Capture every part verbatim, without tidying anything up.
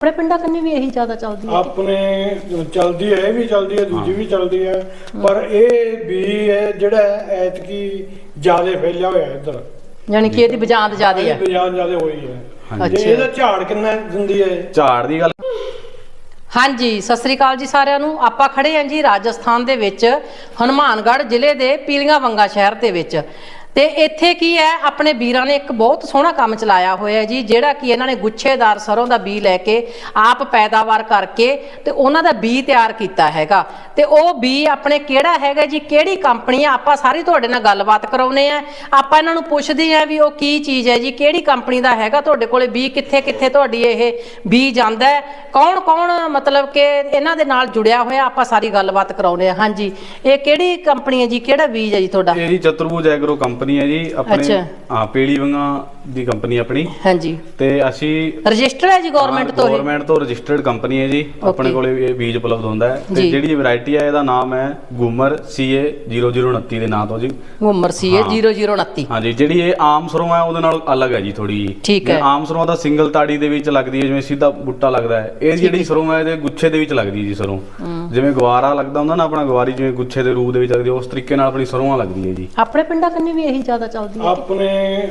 अपने पिंडा कन्नै भी यही ज्यादा चलती है अपने चलती है भी चलती है दूजी भी चलती है पर ये भी है ਜਿਹੜਾ ਐਤਕੀ ਜ਼ਿਆਦਾ ਫੈਲਿਆ ਹੋਇਆ ਇੱਧਰ ਯਾਨੀ ਕਿ ਇਹਦੀ ਬਜਾਂਦ ਜ਼ਿਆਦਾ ਹੈ ਬਜਾਂਦ ਜ਼ਿਆਦਾ ਹੋਈ ਹੈ ਅੱਛਾ ਇਹਦਾ ਝਾੜ ਕਿੰਨਾ ਦਿੰਦੀ ਹੈ ਝਾੜ ਦੀ ਗੱਲ ਹਾਂਜੀ ਸਤਿ ਸ੍ਰੀ ਅਕਾਲ ਜੀ ਸਾਰਿਆਂ ਨੂੰ ਆਪਾਂ ਖੜੇ ਆਂ ਜੀ ਰਾਜਸਥਾਨ ਦੇ ਵਿੱਚ ਹਨੂਮਾਨਗੜ੍ਹ ਜ਼ਿਲ੍ਹੇ ਦੇ ਪੀਲੀਆਂ ਵੰਗਾ ਸ਼ਹਿਰ ਦੇ ਵਿੱਚ ਤੇ ਇੱਥੇ ਕੀ ਹੈ ਆਪਣੇ ਵੀਰਾਂ ਨੇ ਇੱਕ ਬਹੁਤ ਸੋਹਣਾ ਕੰਮ ਚਲਾਇਆ ਹੋਇਆ ਜੀ ਜਿਹੜਾ ਕਿ ਇਹਨਾਂ ਨੇ ਗੁੱਛੇਦਾਰ ਸਰੋਂ ਦਾ ਬੀ ਲੈ ਕੇ ਆਪ ਪੈਦਾਵਾਰ ਕਰਕੇ ਤੇ ਉਹਨਾਂ ਦਾ ਬੀ ਤਿਆਰ ਕੀਤਾ ਹੈਗਾ ਤੇ ਉਹ ਬੀ ਆਪਣੇ ਕਿਹੜਾ ਹੈਗਾ ਜੀ ਕਿਹੜੀ ਕੰਪਨੀ ਆ ਆਪਾਂ ਸਾਰੀ ਤੁਹਾਡੇ ਨਾਲ ਗੱਲਬਾਤ ਕਰਾਉਨੇ ਆ ਆਪਾਂ ਇਹਨਾਂ ਨੂੰ ਪੁੱਛਦੇ ਆ ਵੀ ਉਹ ਕੀ ਚੀਜ਼ ਹੈ ਜੀ ਕਿਹੜੀ ਕੰਪਨੀ ਦਾ ਹੈਗਾ ਤੁਹਾਡੇ ਕੋਲੇ ਬੀ ਕਿੱਥੇ ਕਿੱਥੇ ਤੁਹਾਡੀ ਇਹ ਬੀ ਜਾਂਦਾ ਹੈ ਕੌਣ ਕੌਣ ਮਤਲਬ ਕਿ ਇਹਨਾਂ ਦੇ ਨਾਲ ਜੁੜਿਆ ਹੋਇਆ ਆਪਾਂ ਸਾਰੀ ਗੱਲਬਾਤ ਕਰਾਉਨੇ ਆ ਹਾਂਜੀ ਇਹ ਕਿਹੜੀ ਕੰਪਨੀ ਹੈ ਜੀ ਕਿਹੜਾ ਬੀਜ ਹੈ ਜੀ ਤੁਹਾਡਾ ਇਹ ਜੀ ਚਤੁਰਭੁਜ ਐਗਰੋ ਕੰਪਨੀ ਹੈ ਜੀ ਆਪਣੇ ਹਾਂ ਪੀਲੀ ਵੰਗਾ ਦੀ ਕੰਪਨੀ ਆਪਣੀ ਹਾਂਜੀ ਤੇ ਅਸੀਂ ਰਜਿਸਟਰਡ ਹੈ ਜੀ ਗਵਰਨਮੈਂਟ ਤੋਂ ਗਵਰਨਮੈਂਟ ਤੋਂ ਰਜਿਸਟਰਡ ਕੰਪਨੀ ਹੈ ਜੀ ਆਪਣੇ ਕੋਲੇ ਇਹ ਬੀਜ ਉਪਲਬਧ ਹੁੰਦਾ ਹੈ ਤੇ ਜਿਹੜੀ ਵੈਰਾਈਟੀ ਹੈ ਇਹਦਾ ਨਾਮ ਹੈ ਗੂਮਰ ਸੀਏ ਜ਼ੀਰੋ ਜ਼ੀਰੋ ਉਨੱਤੀ ਦੇ ਨਾਂ ਤੋਂ ਜੀ ਗੂਮਰ ਸੀਏ ਜ਼ੀਰੋ ਜ਼ੀਰੋ ਉਨੱਤੀ ਹਾਂਜੀ ਜਿਹੜੀ ਇਹ ਆਮ ਸਰੋਂ ਹੈ ਉਹਦੇ ਨਾਲ ਅਲੱਗ ਹੈ ਜੀ ਥੋੜੀ ਠੀਕ ਹੈ ਆਮ ਸਰੋਂ ਦਾ ਸਿੰਗਲ ਤਾੜੀ ਦੇ ਵਿੱਚ ਲੱਗਦੀ ਹੈ ਜਿਵੇਂ ਸਿੱਧਾ ਬੂਟਾ ਲੱਗਦਾ ਹੈ ਇਹ ਜਿਹੜੀ ਸਰੋਂ ਹੈ ਇਹਦੇ ਗੁੱਛੇ ਦੇ ਵਿੱਚ ਲੱਗਦੀ ਹੈ ਜੀ ਸਰੋਂ ਜਿਵੇਂ ਗਵਾਰਾ ਲੱਗਦਾ ਹੁੰਦਾ ਨਾ ਆਪਣਾ ਗਵਾਰੀ ਜਿਵੇਂ ਗੁੱਛੇ ਦੇ ਰੂਪ ਦੇ ਵਿੱਚ ਲੱਗਦੀ ਉਸ ਤਰੀਕੇ ਨਾਲ ਆਪਣੀ ਸਰੋਂ ਲੱਗਦੀ ਹੈ ਜੀ ਆਪਣੇ ਪਿੰਡਾਂ ਕੰਨੀ ਵੀ ਇਹੀ ਜ਼ਿਆਦਾ ਚੱਲਦੀ ਹੈ ਆਪਣੇ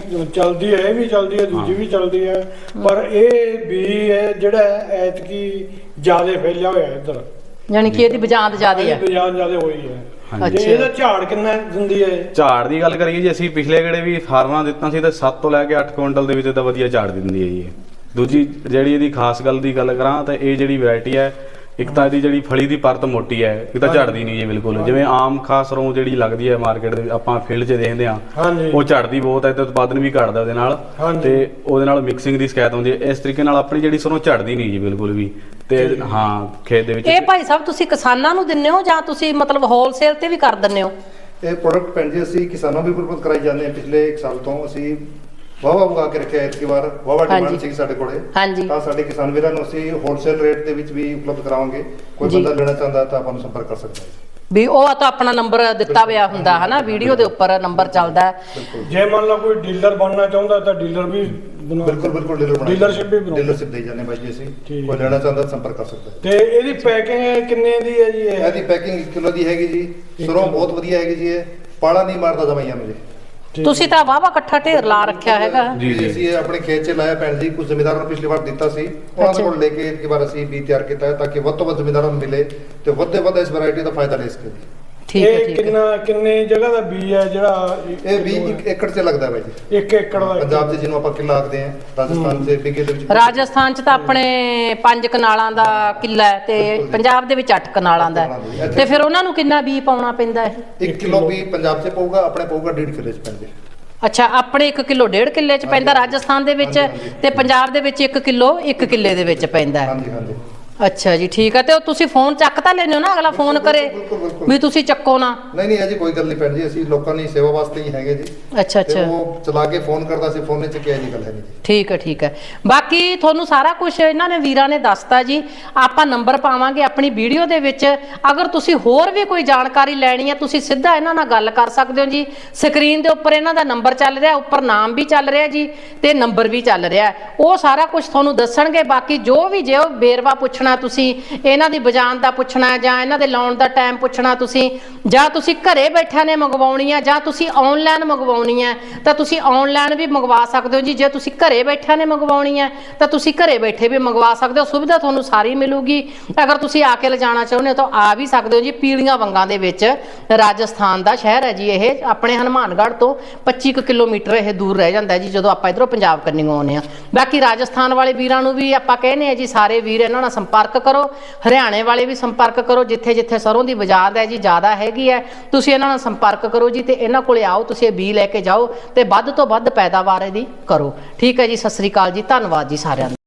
ਚਲਦੀ ਹੈ ਵੀ ਚਲਦੀ ਹੈ ਦੂਜੀ ਵੀ ਚਲਦੀ ਹੈ ਪਰ ਇਹ ਵੀ ਹੈ ਜਿਹੜਾ ਐਤਕੀ ਜ਼ਿਆਦਾ ਫੈਲਿਆ ਹੋਇਆ ਇੱਧਰ ਯਾਨੀ ਕਿ ਇਹਦੀ ਬਜਾਂਦ ਜ਼ਿਆਦਾ ਹੈ ਬਜਾਂਦ ਜ਼ਿਆਦਾ ਹੋਈ ਹੈ ਤੇ ਇਹਦਾ ਝਾੜ ਕਿੰਨਾ ਦਿੰਦੀ ਹੈ ਝਾੜ ਦੀ ਗੱਲ ਕਰੀਏ ਜੀ ਅਸੀਂ ਪਿਛਲੇ ਗੇੜੇ ਵੀ ਫਾਰਮਾਂ ਦਿੱਤਾ ਸੀ ਤੇ ਸੱਤ ਤੋਂ ਲੈ ਕੇ ਅੱਠ ਕੁਇੰਟਲ ਦੇ ਵਿੱਚ ਤਾਂ ਵਧੀਆ ਝਾੜ ਦਿੰਦੀ ਹੈ ਜੀ ਦੂਜੀ ਜਿਹੜੀ ਇਹਦੀ ਖਾਸ ਗੱਲ ਦੀ ਗੱਲ ਕਰਾਂ ਤਾਂ ਇਹ ਜਿਹੜੀ ਵੈਰਾਈਟੀ ਹੈ ਇੱਕ ਤਾਂ ਇਹਦੀ ਜਿਹੜੀ ਫਲੀ ਦੀ ਪਰਤ ਮੋਟੀ ਹੈ ਇਹ ਤਾਂ ਝੜਦੀ ਨਹੀਂ ਜੀ ਬਿਲਕੁਲ ਜਿਵੇਂ ਆਮ ਖਾਸ ਸਰੋਂ ਜਿਹੜੀ ਲੱਗਦੀ ਹੈ ਮਾਰਕੀਟ ਦੇ ਆਪਾਂ ਫੀਲਡ 'ਚ ਦੇਖਦੇ ਹਾਂ ਉਹ ਝੜਦੀ ਬਹੁਤ ਹੈ ਤੇ ਉਤਪਾਦਨ ਵੀ ਘਟਦਾ ਉਹਦੇ ਨਾਲ ਤੇ ਉਹਦੇ ਨਾਲ ਮਿਕਸਿੰਗ ਦੀ ਸ਼ਿਕਾਇਤ ਹੁੰਦੀ ਹੈ ਇਸ ਤਰੀਕੇ ਨਾਲ ਆਪਣੀ ਜਿਹੜੀ ਸਰੋਂ ਝੜਦੀ ਨਹੀਂ ਜੀ ਬਿਲਕੁਲ ਵੀ ਤੇ ਹਾਂ ਖੇਤ ਦੇ ਵਿੱਚ ਇਹ ਭਾਈ ਸਾਹਿਬ ਤੁਸੀਂ ਕਿਸਾਨਾਂ ਨੂੰ ਦਿੰਦੇ ਹੋ ਜਾਂ ਤੁਸੀਂ ਮਤਲਬ ਹੋਲਸੇਲ ਤੇ ਵੀ ਕਰ ਦਿੰਦੇ ਹੋ ਇਹ ਪ੍ਰੋਡਕਟ ਭੈਣ ਜੀ ਅਸੀਂ ਕਿਸਾਨਾਂ ਨੂੰ ਵੀ ਪ੍ਰਪੋਜ਼ ਕਰਾਈ ਜਾਂਦੇ ਹਾਂ ਪਿਛਲੇ ਇੱਕ ਸਾਲ ਤੋਂ ਅਸੀਂ ਵਾਵਾ ਉਗਾ ਕੇ ਰੱਖਿਆ ਇਸ ਵਾਰ ਵਾਵਾ ਡਿਮਾਂਡ ਸੀ ਸਾਡੇ ਕੋਲੇ ਤਾਂ ਸਾਡੇ ਕਿਸਾਨ ਵੀਰਾਂ ਨੂੰ ਅਸੀਂ ਹੋਲਸੇਲ ਰੇਟ ਦੇ ਵਿੱਚ ਵੀ ਉਪਲਬਧ ਕਰਾਵਾਂਗੇ ਕੋਈ ਬੰਦਾ ਲੈਣਾ ਚਾਹੁੰਦਾ ਤਾਂ ਆਪਾਂ ਨੂੰ ਸੰਪਰਕ ਕਰ ਸਕਦਾ ਹੈ ਵੀ ਉਹ ਤਾਂ ਆਪਣਾ ਨੰਬਰ ਦਿੱਤਾ ਹੋਇਆ ਹੁੰਦਾ ਹੈ ਨਾ ਵੀਡੀਓ ਦੇ ਉੱਪਰ ਨੰਬਰ ਚੱਲਦਾ ਹੈ ਜੇ ਮੰਨ ਲਓ ਕੋਈ ਡੀਲਰ ਬਣਨਾ ਚਾਹੁੰਦਾ ਤਾਂ ਡੀਲਰ ਵੀ ਬਿਲਕੁਲ ਬਿਲਕੁਲ ਡੀਲਰ ਬਣਾ ਡੀਲਰਸ਼ਿਪ ਵੀ ਡੀਲਰਸ਼ਿਪ ਦੇ ਜਾਂਦੇ ਬਾਈ ਜੀ ਅਸੀਂ ਕੋਈ ਲੈਣਾ ਚਾਹੁੰਦਾ ਸੰਪਰਕ ਕਰ ਸਕਦਾ ਤੇ ਇਹਦੀ ਪੈਕਿੰਗ ਕਿੰਨੇ ਦੀ ਹੈ ਜੀ ਇਹ ਇਹਦੀ ਪੈਕਿੰਗ ਇੱਕ ਕਿਲੋ ਦੀ ਹੈਗੀ ਜੀ ਸਰੋਂ ਬਹੁਤ ਵਧੀਆ ਹੈਗੀ ਜੀ ਇਹ ਪਾਲਾ ਨਹੀਂ ਮਾਰਦਾ ਦਵਾਈਆਂ ਨੂੰ ਜੀ ਤੁਸੀਂ ਤਾਂ ਵਾਵਾ ਇਕੱਠਾ ਢੇਰ ਲਾ ਰੱਖਿਆ ਹੈਗਾ ਜੀ ਜੀ ਅਸੀਂ ਆਪਣੇ ਖੇਤ 'ਚ ਲਾਇਆ ਭੈਣ ਜੀ ਕੁਝ ਜ਼ਿਮੀਂਦਾਰਾਂ ਨੂੰ ਪਿਛਲੀ ਵਾਰ ਦਿੱਤਾ ਸੀ ਉਹਨਾਂ ਦੇ ਕੋਲ ਲੈ ਕੇ ਇੱਕ ਵਾਰ ਅਸੀਂ ਬੀ ਤਿਆਰ ਕੀਤਾ ਤਾਂ ਕਿ ਵੱਧ ਤੋਂ ਵੱਧ ਜ਼ਿਮੀਂਦਾਰਾਂ ਨੂੰ ਮਿਲੇ ਤੇ ਵੱਧ ਤੋਂ ਵੱਧ ਇਸ ਵੈਰਾਈਟੀ ਦਾ ਫਾਇਦਾ ਲੈ ਸਕਣ ਠੀਕ ਹੈ ਠੀਕ ਹੈ ਕਿੰਨਾ ਕਿੰਨੇ ਜਗ੍ਹਾ ਦਾ ਬੀ ਹੈ ਜਿਹੜਾ ਇਹ ਵੀ ਇੱਕ ਏਕੜ 'ਚ ਲੱਗਦਾ ਹੈ ਬਾਈ ਜੀ ਇੱਕ ਏਕੜ ਦਾ ਪੰਜਾਬ 'ਚ ਜਿਹਨੂੰ ਆਪਾਂ ਕਿੱਲਾ ਆਖਦੇ ਆ ਰਾਜਸਥਾਨ 'ਚ ਬਿਗੇ ਦੇ ਵਿੱਚ ਰਾਜਸਥਾਨ 'ਚ ਤਾਂ ਆਪਣੇ ਪੰਜ ਕਨਾਲਾਂ ਦਾ ਕਿੱਲਾ ਹੈ ਤੇ ਪੰਜਾਬ ਦੇ ਵਿੱਚ ਅੱਠ ਕਨਾਲਾਂ ਦਾ ਤੇ ਫਿਰ ਉਹਨਾਂ ਨੂੰ ਕਿੰਨਾ ਬੀ ਪਾਉਣਾ ਪੈਂਦਾ ਹੈ ਇੱਕ ਕਿਲੋ ਵੀ ਪੰਜਾਬ 'ਚ ਪਊਗਾ ਆਪਣੇ ਪਊਗਾ ਡੇਢ ਕਿੱਲੇ 'ਚ ਪੈਂਦੇ ਅੱਛਾ ਆਪਣੇ ਇੱਕ ਕਿਲੋ ਡੇਢ ਕਿੱਲੇ 'ਚ ਪੈਂਦਾ ਰਾਜਸਥਾਨ ਦੇ ਵਿੱਚ ਤੇ ਪੰਜਾਬ ਦੇ ਵਿੱਚ ਇੱਕ ਕਿਲੋ ਇੱਕ ਕਿੱਲੇ ਦੇ ਵਿੱਚ ਪੈਂਦਾ ਹਾਂਜੀ ਹਾਂਜੀ ਅੱਛਾ ਜੀ ਠੀਕ ਹੈ ਤੇ ਉਹ ਤੁਸੀਂ ਫੋਨ ਚੱਕ ਤਾਂ ਲੈਣੇ ਹੋ ਨਾ ਅਗਲਾ ਫੋਨ ਕਰੇ ਵੀ ਤੁਸੀਂ ਚੱਕੋ ਨਾ ਨਹੀਂ ਨਹੀਂ ਅਜੀ ਕੋਈ ਗੱਲ ਨਹੀਂ ਭੈਣ ਜੀ ਅਸੀਂ ਲੋਕਾਂ ਦੀ ਸੇਵਾ ਵਾਸਤੇ ਹੀ ਹੈਗੇ ਜੀ ਅੱਛਾ ਅੱਛਾ ਉਹ ਚਲਾ ਕੇ ਫੋਨ ਕਰਦਾ ਸੀ ਫੋਨ 'ਚ ਕਿਹਾ ਜੀ ਗੱਲ ਹੈ ਨਹੀਂ ਜੀ ਠੀਕ ਹੈ ਠੀਕ ਹੈ ਬਾਕੀ ਤੁਹਾਨੂੰ ਸਾਰਾ ਕੁਝ ਇਹਨਾਂ ਨੇ ਵੀਰਾਂ ਨੇ ਦੱਸਤਾ ਜੀ ਆਪਾਂ ਨੰਬਰ ਪਾਵਾਂਗੇ ਆਪਣੀ ਵੀਡੀਓ ਦੇ ਵਿੱਚ ਅਗਰ ਤੁਸੀਂ ਹੋਰ ਵੀ ਕੋਈ ਜਾਣਕਾਰੀ ਲੈਣੀ ਹੈ ਤੁਸੀਂ ਸਿੱਧਾ ਇਹਨਾਂ ਨਾਲ ਗੱਲ ਕਰ ਸਕਦੇ ਹੋ ਜੀ ਸਕਰੀਨ ਦੇ ਉੱਪਰ ਇਹਨਾਂ ਦਾ ਨੰਬਰ ਚੱਲ ਰਿਹਾ ਉੱਪਰ ਨਾਮ ਵੀ ਚੱਲ ਰਿਹਾ ਜੀ ਤੇ ਨੰਬਰ ਵੀ ਚੱਲ ਰਿਹਾ ਉਹ ਸਾਰਾ ਕੁਝ ਤੁਹਾਨੂੰ ਦੱਸਣਗੇ ਬਾਕੀ ਜੋ ਵੀ ਜੇ ਉਹ ਵੇਰਵਾ ਪੁੱਛਣਾ ਤੁਸੀਂ ਇਹਨਾਂ ਦੀ ਬਜਾਨ ਦਾ ਪੁੱਛਣਾ ਜਾਂ ਇਹਨਾਂ ਦੇ ਲਾਉਣ ਦਾ ਟਾਈਮ ਪੁੱਛਣਾ ਤੁਸੀਂ ਜਾਂ ਤੁਸੀਂ ਘਰੇ ਬੈਠਿਆਂ ਨੇ ਮੰਗਵਾਉਣੀ ਹੈ ਜਾਂ ਤੁਸੀਂ ਆਨਲਾਈਨ ਮੰਗਵਾਉਣੀ ਹੈ ਤਾਂ ਤੁਸੀਂ ਆਨਲਾਈਨ ਵੀ ਮੰਗਵਾ ਸਕਦੇ ਹੋ ਜੀ ਜੇ ਤੁਸੀਂ ਘਰੇ ਬੈਠਿਆਂ ਨੇ ਮੰਗਵਾਉਣੀ ਹੈ ਤਾਂ ਤੁਸੀਂ ਘਰੇ ਬੈਠੇ ਵੀ ਮੰਗਵਾ ਸਕਦੇ ਹੋ ਸੁਵਿਧਾ ਤੁਹਾਨੂੰ ਸਾਰੀ ਮਿਲੂਗੀ ਅਗਰ ਤੁਸੀਂ ਆ ਕੇ ਲਿਜਾਣਾ ਚਾਹੁੰਦੇ ਹੋ ਤਾਂ ਆ ਵੀ ਸਕਦੇ ਹੋ ਜੀ ਪੀਲੀਆਂ ਵੰਗਾਂ ਦੇ ਵਿੱਚ ਰਾਜਸਥਾਨ ਦਾ ਸ਼ਹਿਰ ਹੈ ਜੀ ਇਹ ਆਪਣੇ ਹਨੂਮਾਨਗੜ੍ਹ ਤੋਂ ਪੱਚੀ ਕਿਲੋਮੀਟਰ ਇਹ ਦੂਰ ਰਹਿ ਜਾਂਦਾ ਜੀ ਜਦੋਂ ਆਪਾਂ ਇਧਰੋਂ ਪੰਜਾਬ ਕੰਨੀ ਆਉਂਦੇ ਆ ਬਾਕੀ ਰਾਜਸਥਾਨ ਵਾਲੇ ਵੀਰਾਂ ਨੂੰ ਵੀ ਆਪਾਂ ਕਹਿੰਦੇ ਆ ਜੀ ਸਾਰੇ ਵੀਰ ਇਹਨਾਂ ਨਾਲ ਸੰਪਰਕ ਕਰੋ ਹਰਿਆਣੇ ਵਾਲੇ ਵੀ ਸੰਪਰਕ ਕਰੋ ਜਿੱਥੇ ਜਿੱਥੇ ਸਰੋਂ ਦੀ ਬਜਾਦ ਹੈ ਜੀ ਜ਼ਿਆਦਾ ਹੈਗੀ ਹੈ ਤੁਸੀਂ ਇਹਨਾਂ ਨਾਲ ਸੰਪਰਕ ਕਰੋ ਜੀ ਤੇ ਇਹਨਾਂ ਕੋਲੇ ਆਓ ਤੁਸੀਂ ਇਹ ਬੀ ਲੈ ਕੇ ਜਾਓ ਤੇ ਵੱਧ ਤੋਂ ਵੱਧ ਪੈਦਾਵਾਰ ਇਹਦੀ ਕਰੋ ਠੀਕ ਹੈ ਜੀ ਸਤਿ ਸ੍ਰੀ ਅਕਾਲ ਜੀ ਧੰਨਵਾਦ ਜੀ ਸਾਰਿਆਂ ਦਾ।